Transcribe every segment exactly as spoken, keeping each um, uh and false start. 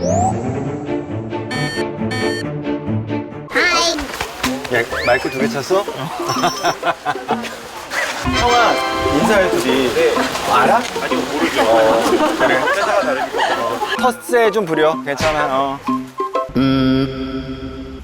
야, 마이크 두 개 찼어? 형아, 인사해, 둘이. 네. 알아? 아니, 모르죠. 어, 그래. 회사가 다르니까. 어. 텃세 좀 부려. 괜찮아, 어. 음.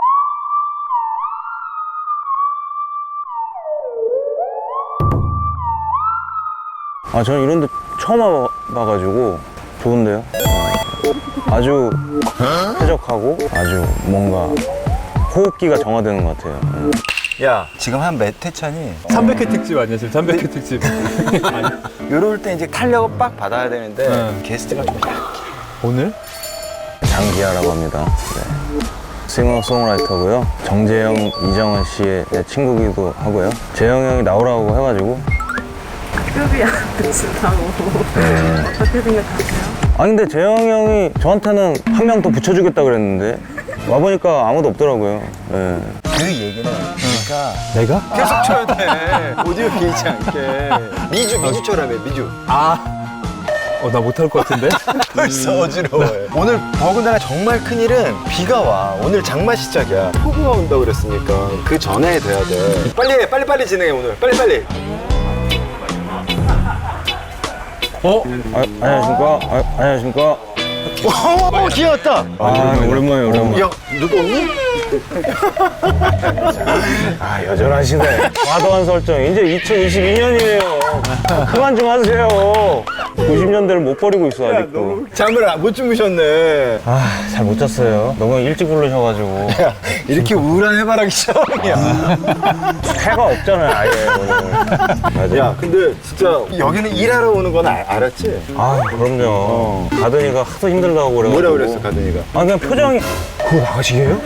아, 저는 이런 데 처음 와봐가지고 좋은데요? 아주 쾌적하고 아주 뭔가 호흡기가 정화되는 것 같아요. 야, 지금 한 몇 회 차니? 삼백 회 특집 아니야 지금 삼백 회 특집. 요럴 때 이제 탄력을 빡 받아야 되는데 네. 게스트가 좀 약해. 오늘? 장기하라고 합니다. 네. 싱어송라이터고요. 정재영, 이정은 씨의 친구기도 하고요. 재영 형이 나오라고 해가지고. 급이 안 드신다고. 어떻게 생각하세요? 아니 근데 재영 형이 저한테는 한 명 더 붙여주겠다 그랬는데 와보니까 아무도 없더라고요. 네. 그 얘기는 그러니까 내가? 계속 쳐야 돼. 오디오 비지 않게. 미주, 미주 쳐라며, 미주. 아, 어, 나 못할 것 같은데? 벌써 어지러워요. 오늘 더군다나 정말 큰일은 비가 와. 오늘 장마 시작이야. 폭우가 온다고 그랬으니까 그 전에 돼야 돼. 빨리 해, 빨리 빨리 진행해 오늘. 빨리 빨리. 어? 아, 안녕하십니까? 아, 안녕하십니까? 오, 귀여웠다. 아, 오랜만에 오랜만에. 야, 누구 없니? 아, 여전하시네. 과도한 설정. 이제 이천이십이 년이에요. 그만 좀 하세요. 구십 년대를 못 버리고 있어, 아직도. 잠을 안- 못 주무셨네. 아, 잘 못 잤어요. 너무 일찍 부르셔가지고. 야, 이렇게 우울한 해바라기 처음이야. 해가 없잖아요, 아예. 오늘. 맞아. 야, 근데 진짜 여기는 일하러 오는 건 알, 알았지? 아, 그럼요. 가든이가 하도 힘들다고 그래가지고. 뭐라 그랬어, 가든이가? 아, 그냥 표정이. 그거 나가시게요?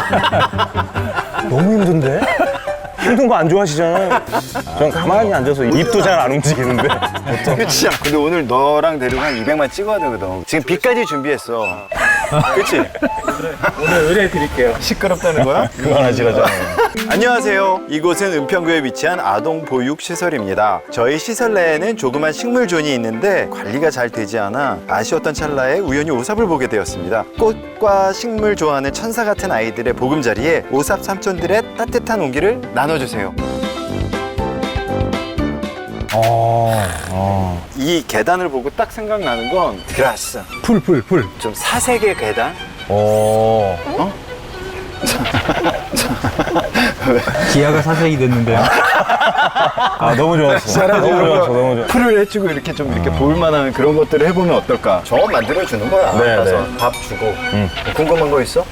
너무 힘든데? 힘든 거 안 좋아하시잖아요. 전 가만히 앉아서 입도 잘 안 움직이는데. 그치? 근데 오늘 너랑 데리고 한 이백만 찍어야 되거든. 지금 비까지 준비했어. 그치? 오늘 의뢰해드릴게요. 시끄럽다는 거야? 그만하시라잖아요. 안녕하세요. 이곳은 은평구에 위치한 아동 보육 시설입니다. 저희 시설 내에는 조그만 식물존이 있는데 관리가 잘 되지 않아 아쉬웠던 찰나에 우연히 오삽을 보게 되었습니다. 꽃과 식물 좋아하는 천사 같은 아이들의 보금자리에 오삽 삼촌들의 따뜻한 온기를 나눠주세요. 어, 어. 이 계단을 보고 딱 생각나는 건 그라스. 풀, 풀, 풀. 좀 사색의 계단? 어. 기아가 사색이 됐는데요. 아, 너무 좋았어. 너무 좋았어, 너무 좋았어. 풀을 해주고 이렇게 좀 이렇게 볼만한 그런 것들을 해보면 어떨까? 저거 만들어주는 거야. 네, 가서 네. 밥 주고. 궁금한 거 있어?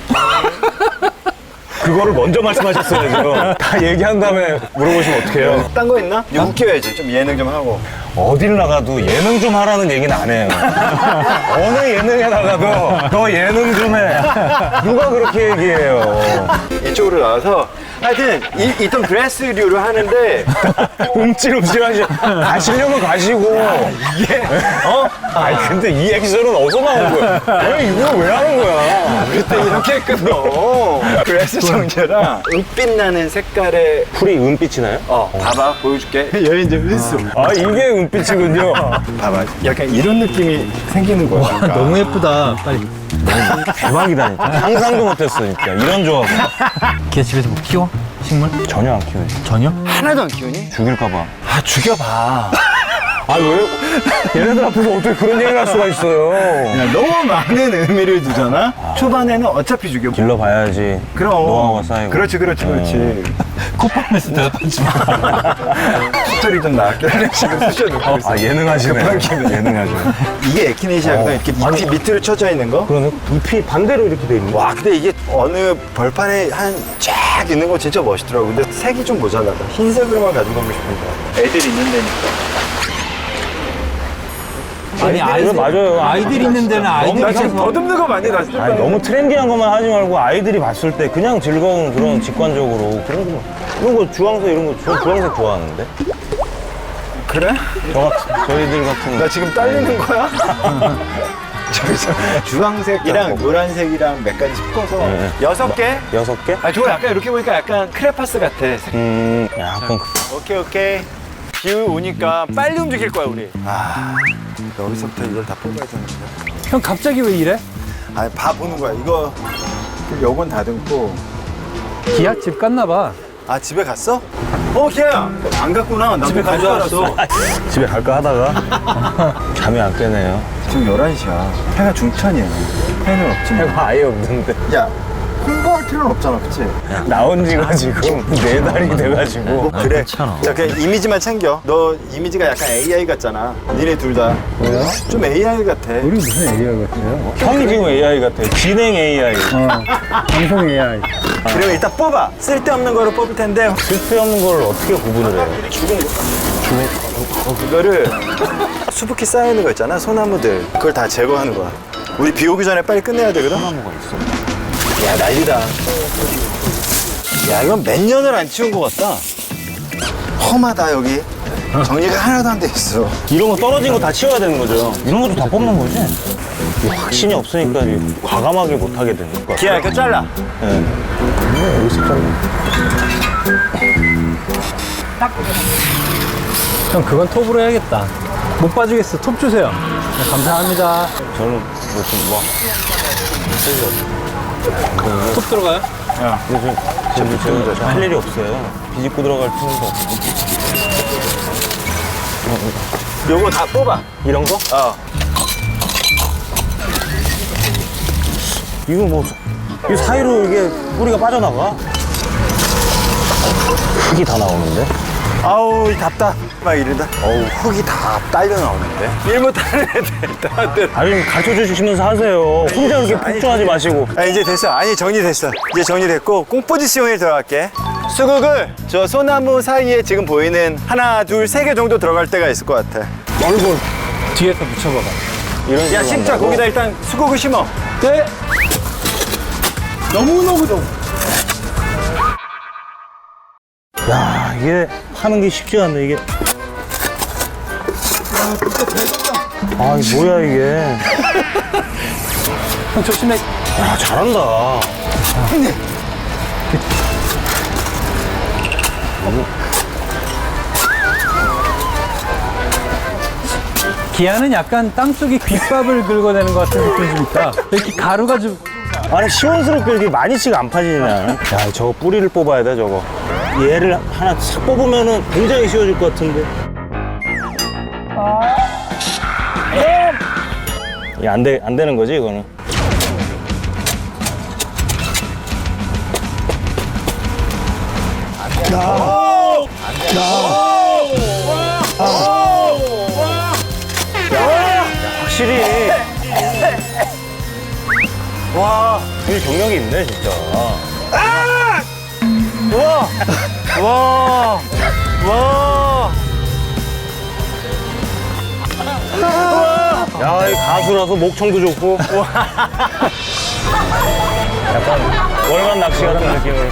그거를 먼저 말씀하셨어야죠. 다 얘기한 다음에 물어보시면 어떡해요. 딴 거 있나? 이거 웃겨야지. 좀 예능 좀 하고. 어딜 나가도 예능 좀 하라는 얘기는 안 해요. 어느 예능에 나가도 너 예능 좀 해. 누가 그렇게 얘기해요. 이쪽으로 나와서 하여튼 이, 있던 드레스류를 하는데 움찔움찔 하시, 가시려면 가시고. 이게, 어? 아니, 근데 이 액션은 어디서 나온 거야? 아니, 이거 왜 하는 거야? 그때 이렇게 끊어. 드레스 정제랑 은빛 나는 색깔의 풀이 은빛이 나요? 어 봐봐 보여줄게. 여기 이제 은수. 아, 이게 은빛이군요. 봐봐. 약간 이런 느낌이 생기는 거야. 그러니까. 너무 예쁘다. 빨리. 대박이다, 진짜. 상상도 못했어, 진짜. 이런 조합은. 걔 집에서 뭐 키워? 식물? 전혀 안 키워요. 전혀? 하나도 안 키우니? 죽일까봐. 아 죽여봐. 아, 왜? 얘네들 앞에서 어떻게 그런 얘기를 할 수가 있어요? 야, 너무 많은 의미를 두잖아. 초반에는 어차피 죽여. 길러봐야지. 그럼. 노하우가 쌓이고. 그렇지, 그렇지, 그렇지. 콧방에서 대답하지 마. 스토리 좀 나왔게 하는 식으로 쑤셔놓고 있어. 아, 예능 하시네. 급한 김에. 예능 하시네. 이게 에키네시아거든. 어. 이렇게 밑, 밑으로 쳐져 있는 거. 그러네. 잎이 반대로 이렇게 돼 있는 거. 와, 근데 이게 어느 벌판에 한 쫙 있는 거 진짜 멋있더라고. 근데 색이 좀 모자라다. 흰색으로만 가져가고 싶은데. 애들 있는 데니까. 아니, 아이들, 맞아요. 아이들 있는 데는 아이들이 나 지금 있어서. 더듬는 거 많이 나 진짜. 아니, 너무 트렌디한 것만 하지 말고 아이들이 봤을 때 그냥 즐거운 그런 직관적으로 그런 거. 이런 거 주황색 이런 거 저 주황색 좋아하는데. 그래? 저 같은 저희들 같은. 나 지금 딸리는 거야? 저기서 주황색이랑 노란색이랑 몇 가지 섞어서 네. 여섯 개? 여섯 개? 아, 저거 약간 이렇게 보니까 약간 크레파스 같아. 음, 약간 그- 오케이, 오케이. 비 오니까 빨리 움직일 거야, 우리. 아, 여기서부터 이걸 다 뽑아야 되는데. 형 갑자기 왜 이래? 아니 봐 보는 거야. 이거 요건 다듬고. 기아 집 갔나 봐. 아 집에 갔어? 어 기아야 안 갔구나. 나 집에 가져왔어. 집에 갈까 하다가 잠이 안 깨네요. 지금 열한 시야. 해가 중천이야. 해는 없지 뭐. 해가 아예 없는데. 야 홍보할 필요는 없잖아, 그치? 나온 지가 지금 네 달이 돼가지고. 뭐 그래. 괜찮아. 자 그냥 이미지만 챙겨. 너 이미지가 약간 에이아이 같잖아. 니네 둘 다. 왜요? 좀 에이아이 같아. 우리 무슨 에이아이 같아요? 형이 지금 에이아이 같아. 진행 에이아이. 어, 방송 에이아이. 그러면 일단 뽑아. 쓸데없는 거를 뽑을 텐데 쓸데없는 걸 어떻게 구분을 해요? 그거를 수북히 쌓여있는 거 있잖아, 소나무들. 그걸 다 제거하는 거야. 우리 비 오기 전에 빨리 끝내야 되거든. 소나무가 있어. 야 난리다. 야 이건 몇 년을 안 치운 것 같다. 험하다 여기. 정리가 하나도 안 돼 있어. 이런 거 떨어진 거 다 치워야 되는 거죠? 이런 것도 다 뽑는 거지? 이 확신이 없으니까 이 과감하게 못 하게 되는 것 같아요. 기아 이렇게 잘라. 네. 여기서 잘라. 형 그건 톱으로 해야겠다. 못 봐주겠어. 톱 주세요. 네, 감사합니다. 저는 무슨 뭐 톱 들어가요? 요즘 지금 제가 할 일이 없어요. 비집고 들어갈 틈도 없고. 요거 다 뽑아. 이런 거? 어. 이거 뭐, 이 사이로 이게 뿌리가 빠져나가? 흙이 다 나오는데? 아우 이 답다. 막 이러다. 어우 흙이 다 딸려 나오는데. 일 못하는 애들 다들. 아니, 가르쳐 주시면서 하세요. 혼자 그렇게 폭주하지 마시고. 아 이제 됐어. 아니 정리됐어. 이제 정리됐고 꽁포지시용에 들어갈게. 수국을 저 소나무 사이에 지금 보이는 하나 둘 세 개 정도 들어갈 때가 있을 것 같아. 얼굴 뒤에서 붙여봐봐. 이런 야 식으로 심자 한다고? 거기다 일단 수국을 심어. 네. 너무너무 너무. 야, 이게 하는 게 쉽지 않네, 이게. 아, 이게 뭐야, 이게. 형 조심해. 야, 잘한다. 기아는 약간 땅속에 귓밥을 긁어내는 것 같은 느낌이 좀 있다. 이렇게 가루가 좀. 아니, 시원스럽게 이렇게 많이씩 안 파지냐. 야, 저거 뿌리를 뽑아야 돼, 저거. 얘를 하나 싹 뽑으면은 굉장히 쉬워질 것 같은데. 이게 안 돼, 안 되는 거지, 이거는. 확실히. 와, 이 경력이 있네, 진짜. 와, 와, 와. 야, 이 가수라서 목청도 좋고. 약간 월간 낚시 같은 느낌을.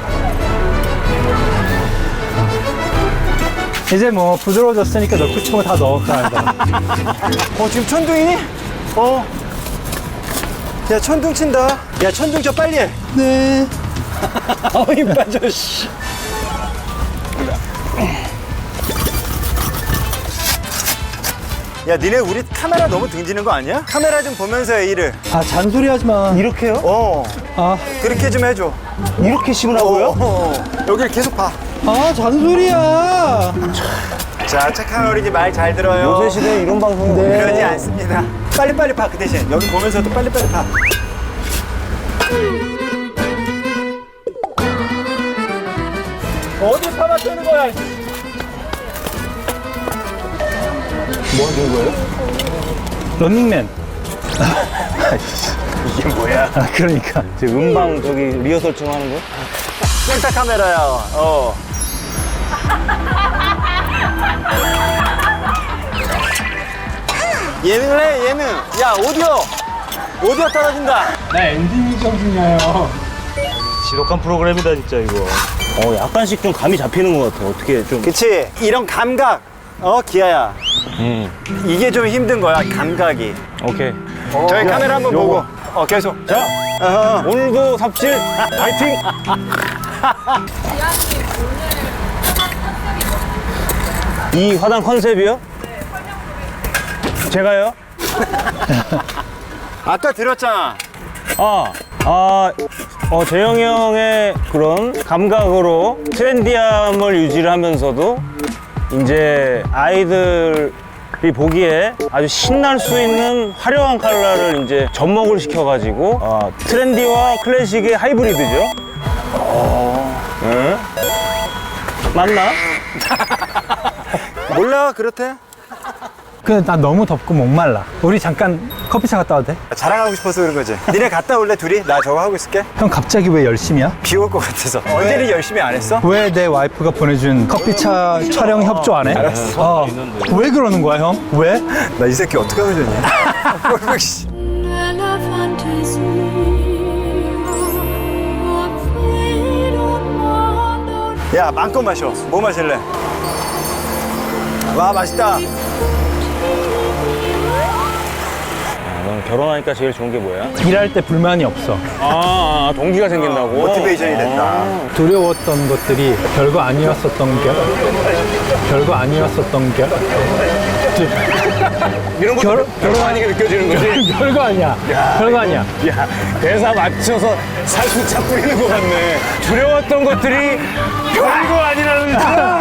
이제 뭐 부드러워졌으니까 넣고 싶은 거 다 넣을까 한다. 어 지금 천둥이니? 어. 야 천둥 친다. 야 천둥 저 빨리 해. 네. 어이 빠져 씨. 야 니네 우리 카메라 너무 등지는 거 아니야? 카메라 좀 보면서 해 일을. 아 잔소리 하지 마. 이렇게요? 어. 아, 그렇게 좀 해줘. 이렇게 심으라고요? 어, 어. 여기를 계속 봐. 아 잔소리야. 자 착한 어린이 말 잘 들어요. 요새 시대에 이런 방송은 네. 그러지 않습니다. 빨리빨리 봐 그 대신 여기 보면서도 빨리빨리 봐. 어디 파마 뜨는 거야? 뭐 하는 거예요? 런닝맨. 이게 뭐야? 아 그러니까. 지금 음방 저기 리허설 좀 하는 거? 셀카 카메라야. 어. 예능을 해 예능. 야 오디오. 오디오 떨어진다. 나 엔딩 정신이에요. 지독한 프로그램이다 진짜 이거. 어 약간씩 좀 감이 잡히는 것 같아. 어떻게 좀. 그치 이런 감각. 어 기아야. 음. 이게 좀 힘든 거야 감각이. 오케이. 저희 카메라 한번 요거. 보고. 어 계속. 자 어허. 오늘도 삽질 파이팅. 이 화단 컨셉이요? 제가요? 아까 들었잖아. 아, 아, 어, 재영이 형의 그런 감각으로 트렌디함을 유지를 하면서도 이제 아이들이 보기에 아주 신날 수 있는 화려한 컬러를 이제 접목을 시켜가지고 어, 트렌디와 클래식의 하이브리드죠. 어, 응? 맞나? 몰라 그렇대. 근데 나 너무 덥고 목말라. 우리 잠깐 커피차 갔다 와도 돼? 자랑하고 싶어서 그런 거지. 니네 갔다 올래 둘이? 나 저거 하고 있을게. 형 갑자기 왜 열심이야? 비 올 것 같아서. 언제는 열심히 안 했어? 왜 내 와이프가 보내준 커피차 촬영 협조 안 해? 알았어. 어. 왜 그러는 거야 형? 왜? 나 이 새끼 어떻게 하면 좋냐? 씨. la fantaisie, 야 마음껏 마셔. 뭐 마실래? 와 맛있다. 넌 결혼하니까 제일 좋은 게 뭐야? 일할 때 불만이 없어. 아, 아 동기가 생긴다고? 모티베이션이 된다. 두려웠던 것들이 별거 아니었었던 게 별거 아니었었던 게 이런 것도 결- 별거 아니게 느껴지는 거지? 별거 아니야. 별거 아니야. 야, 대사 맞춰서 살수차 뿌리는 것 같네. 두려웠던 것들이 별거 아니라는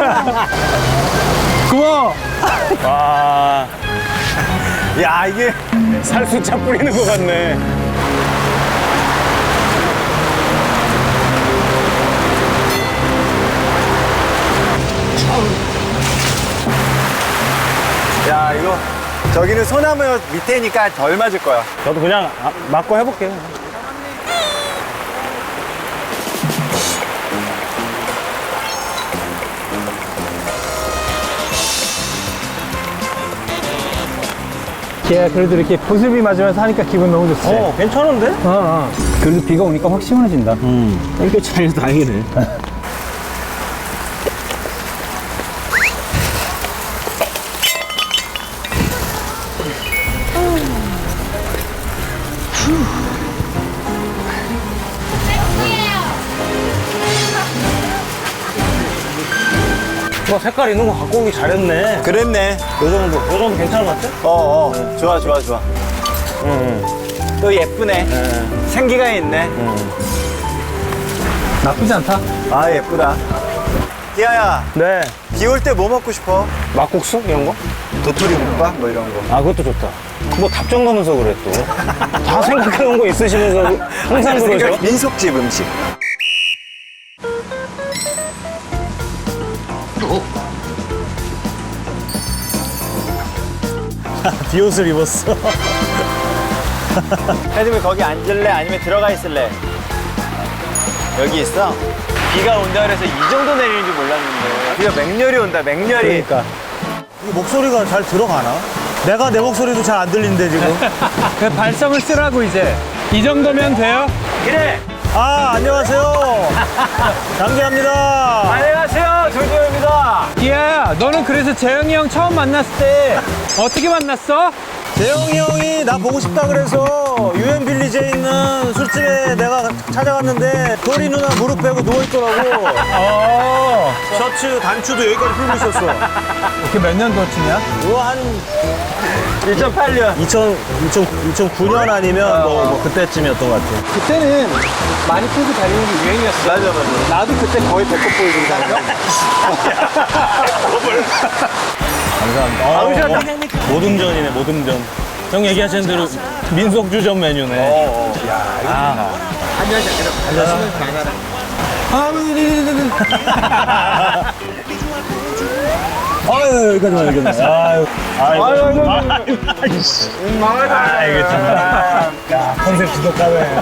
고마워. 와, 야 이게 살수차 뿌리는 것 같네. 야 이거 저기는 소나무 밑에니까 덜 맞을 거야. 저도 그냥 아, 맞고 해볼게요. 걔 그래도 이렇게 보슬비 맞으면서 하니까 기분 너무 좋지. 어, 괜찮은데? 어, 어. 그래도 비가 오니까 확 시원해진다. 음, 땡볕 차이서 다행이네. 뭐 색깔 있는 거 갖고 오기 잘했네. 그랬네. 요 정도, 요 정도 괜찮은 것 같아? 어어 좋아 좋아 좋아. 응, 또 예쁘네. 응. 생기가 있네. 나쁘지 않다. 아 예쁘다. 기아야 네. 비 올 때 뭐 먹고 싶어? 막국수? 이런 거? 도토리 국밥 뭐 이런 거. 아, 그것도 좋다. 뭐 답정 가면서 그래, 또. 다 생각해 놓은 거 있으시면서 항상 그러죠? 민속집 음식. 비옷을 입었어. 헤드맨 거기 앉을래? 아니면 들어가 있을래? 여기 있어? 비가 온다 그래서 이 정도 내리는 줄 몰랐는데 비가 맹렬히 온다 맹렬히. 그러니까. 목소리가 잘 들어가나? 내가 내 목소리도 잘 안 들리는데 지금. 그 발성을 쓰라고 이제. 이 정도면 돼요? 그래. 아 안녕하세요. 장기합니다. 안녕하세요 조지호입니다. 기아야, 너는 그래서 재영이 형 처음 만났을 때 어떻게 만났어? 재영이 형이 나 보고 싶다 그래서 유엔 빌리지에 있는 술집에 내가 찾아갔는데 도리 누나 무릎 빼고 누워 있더라고. 어. 셔츠 단추도 여기까지 풀고 있었어. 그게 몇 년도쯤이야? 이거 한 이천팔 년. 이천, 이천구 년 아니면 뭐, 뭐 그때쯤이었던 것 같아. 그때는 많이 풀고 다니는 게 유행이었어. 맞아 맞아. 나도 그때 거의 배꼽 보이고 다녔어. 감사합니다. 모듬전이네, 모듬전. 형 얘기하신 대로 민속주전 메뉴네. 아유, 여기까지만, 여기까지. 아유. 아이고, 아이고, 아이고. 아, 이게 참. 야, 컨셉 지독하네.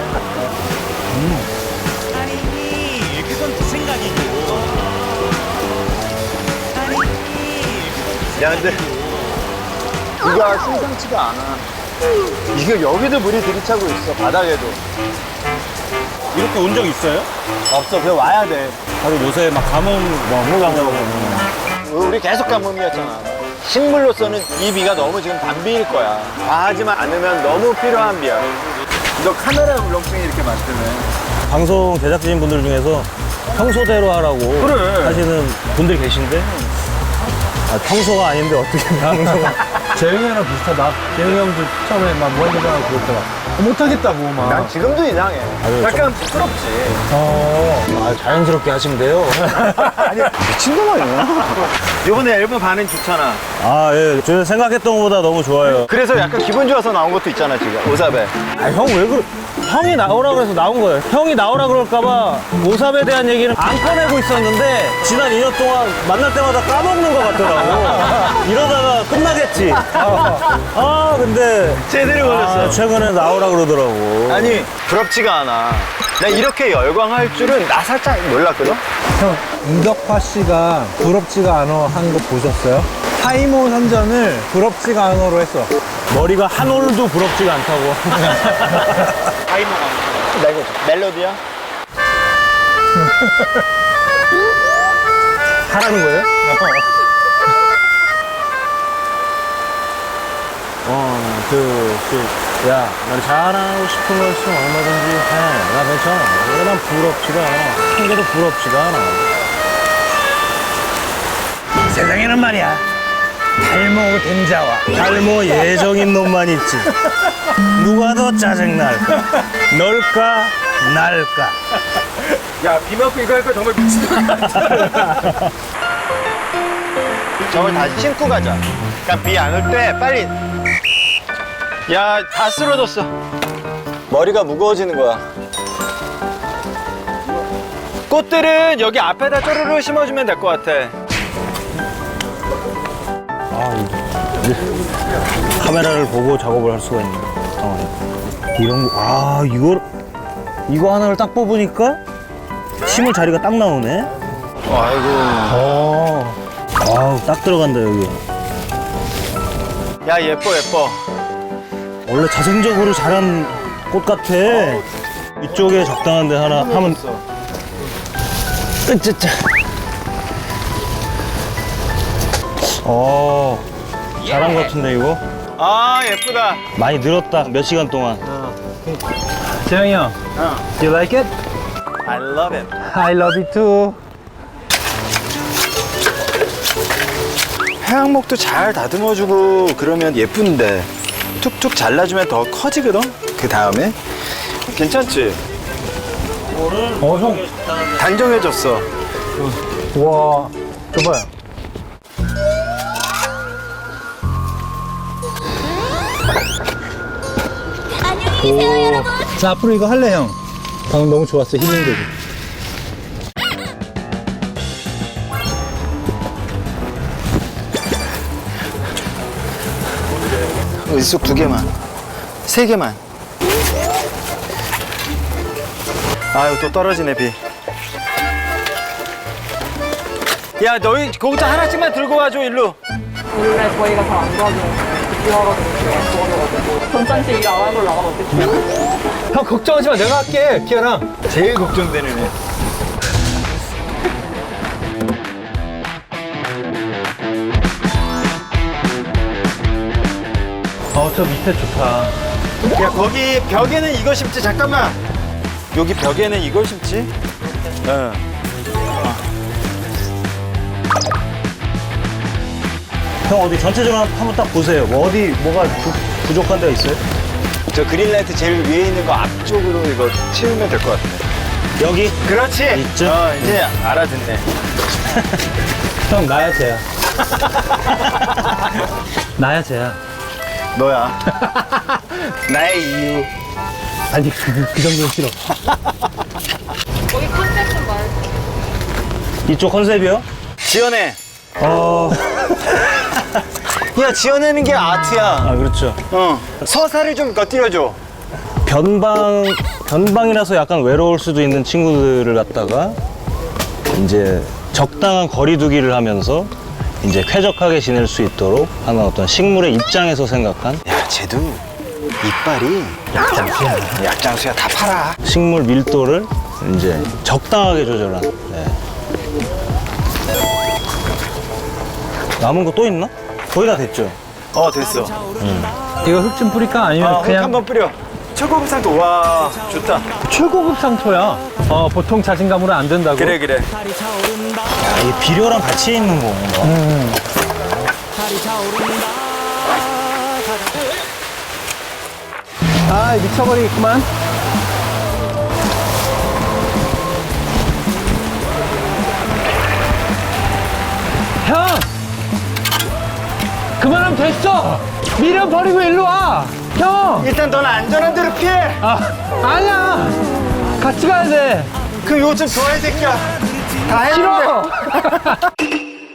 야 근데 비가 심상치가 않아. 이게 여기도 물이 들이차고 있어 바닥에도. 이렇게 온 적 있어요? 없어 그냥 와야 돼. 다들 요새 막 가뭄, 뭐, 무감자고. 우리 계속 가뭄이었잖아. 식물로서는 이 비가 너무 지금 단비일 거야. 과하지만 않으면 너무 필요한 비야. 너 카메라 울렁증이 이렇게 많다며. 방송 제작진 분들 중에서 평소대로 하라고 그래. 하시는 분들이 계신데 아, 평소가 아닌데 어떻게 방송을 재영이랑 비슷하다. 재영이 형도 처음에 막 뭐하려고 그랬다가 못하겠다고 막. 난 지금도 이상해. 약간 부끄럽지. 어. 아, 자연스럽게 하시면 돼요. 미친놈 아니야? 이번에 앨범 반응 좋잖아. 아, 예. 저는 생각했던 것보다 너무 좋아요. 그래서 약간 기분 좋아서 나온 것도 있잖아, 지금. 오사베. 아, 형 왜 그래? 형이 나오라 그래서 나온 거예요. 형이 나오라 그럴까봐 오삽에 대한 얘기는 안 꺼내고 있었는데 지난 이 년 동안 만날 때마다 까먹는 것 같더라고. 이러다가 끝나겠지. 아, 아, 근데 제대로 걸렸어. 아, 최근에 나오라 그러더라고. 아니, 부럽지가 않아. 나 이렇게 열광할 줄은 나 살짝 몰랐거든? 형, 이덕화 씨가 부럽지가 않아 한 거 보셨어요? 타이머 선전을 부럽지가 않아로 했어. 머리가 한 올도 부럽지가 않다고. 타이머가. 나 이거 멜로디야? 하라는 거예요? 어, 그, 그, 야, 난 잘하고 싶은 거 있으면 얼마든지 해. 나 괜찮아. 왜 난 부럽지가 않아. 한 개도 부럽지가 않아. 세상에는 말이야. 탈모 된자와 탈모 예정인 놈만 있지. 누가 더 짜증날까? 널까? 날까? 야, 비 맞고 이거 할 거 정말 미친놈 같아. 저걸 다시 신고 가자. 그러니까 비 안 올 때 빨리. 야, 다 쓰러졌어. 머리가 무거워지는 거야. 꽃들은 여기 앞에다 쪼르르 심어주면 될 것 같아. 카메라를 보고 작업을 할 수가 있는 상황이. 이런 거, 아, 이걸, 이거 하나를 딱 뽑으니까 심을 자리가 딱 나오네. 아이고. 어. 아우, 딱 들어간다, 여기. 야, 예뻐, 예뻐. 원래 자생적으로 자란 꽃 같아. 이쪽에 적당한 데 하나 하면. 으짜짜. 어, 잘한 것 같은데, 이거? 아, 예쁘다. 많이 늘었다, 몇 시간 동안. 재영이 형, 어. do you like it? I love it. I love it too. 해양목도 잘 다듬어주고 그러면 예쁜데 툭툭 잘라주면 더 커지거든? 그 다음에 괜찮지? 어, 형. 단정해졌어. 와, 줘봐요. 자, 앞으로 이거 할래, 형. 방금 너무 좋았어, 힐링되고. 의숙 두 개만, 세 개만. 아유, 또 떨어지네, 비. 야, 너희 거기서 하나씩만 들고 와줘, 일로. 원래 저희가 잘 안 도와줘요. 비와가지고 도와줘가지고 전장치 일 안 하고 나가면 어떡해요? 형, 걱정하지 마. 내가 할게, 기아나. 제일 걱정되는 애. 어, 저 밑에 좋다. 야, 거기 벽에는 이거 심지, 잠깐만. 여기 벽에는 이걸 심지? 응. 형, 어디 전체적으로 한번 딱 보세요. 뭐 어디, 뭐가 부, 부족한 데가 있어요? 저 그린라이트 제일 위에 있는 거 앞쪽으로 이거 치우면 될 것 같아. 여기? 그렇지. 있죠? 어, 이제 알아듣네. 형, 나야, 쟤야. 나야, 쟤야. 너야. 나의 이유. 아니, 그, 그 정도는 싫어. 거기 컨셉 좀 말해줘. 이쪽 컨셉이요? 지어내. 어, 야, 지어내는 게 아트야. 아, 그렇죠. 어. 서사를 좀 곁들여줘. 변방, 변방이라서 약간 외로울 수도 있는 친구들을 갖다가 이제 적당한 거리두기를 하면서 이제 쾌적하게 지낼 수 있도록 하는 어떤 식물의 입장에서 생각한 야, 쟤도 이빨이 약장수야. 약장수야. 다 팔아. 식물 밀도를 이제 적당하게 조절한. 네. 남은 거 또 있나? 거의 다 됐죠? 어, 됐어. 이거 흙 좀 뿌릴까? 아니면 아, 흙 그냥 한번 뿌려. 최고급 상도. 와, 좋다. 최고급 상토야. 어, 보통 자신감으로 안 된다고. 그래, 그래. 야, 이게 비료랑 같이 있는 거구나. 아, 미쳐버리겠구만. 형! 그만하면 됐어! 미련 버리고 일로 와! 형! 일단 넌 안전한 데로 피해. 아, 아니야! 같이 가야 돼! 그럼 이거 좀 좋아해 새끼야. 다 했는데. 싫어!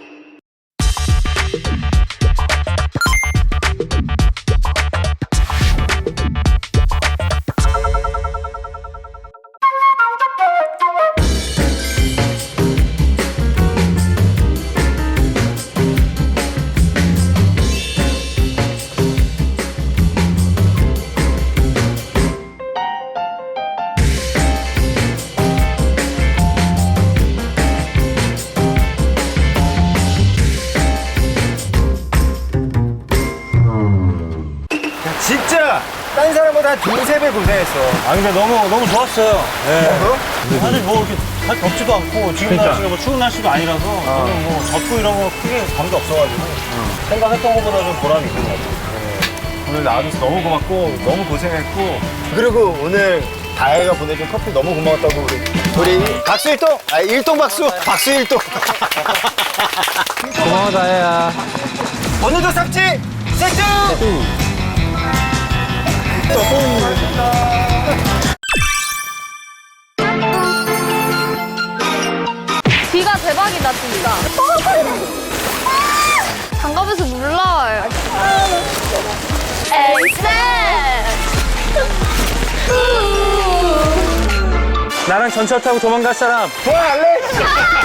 진짜 딴 사람보다 한 두세 배 고생했어. 아 근데 너무 너무 좋았어요. 예. 어? 사실 뭐 이렇게 잘 덥지도 않고 지금 그러니까. 날씨가 뭐 추운 날씨도 아니라서 저는 뭐 덥고 이런 거 크게 감도 없어가지고 생각했던 것보다 좀 보람이 있는 것 같아요. 오늘 나와줘서 너무 고맙고 너무 고생했고 그리고 오늘 다혜가 보내준 커피 너무 고마웠다고 우리 우리 박수 일동 아 일동 박수 박수 일동 고마워, 다혜야. 오늘도 삭지 세트 비가 대박이다 진짜. 장갑에서 물 나와요. 에이쌤. 나랑 전철 타고 도망갈 사람 좋아할래?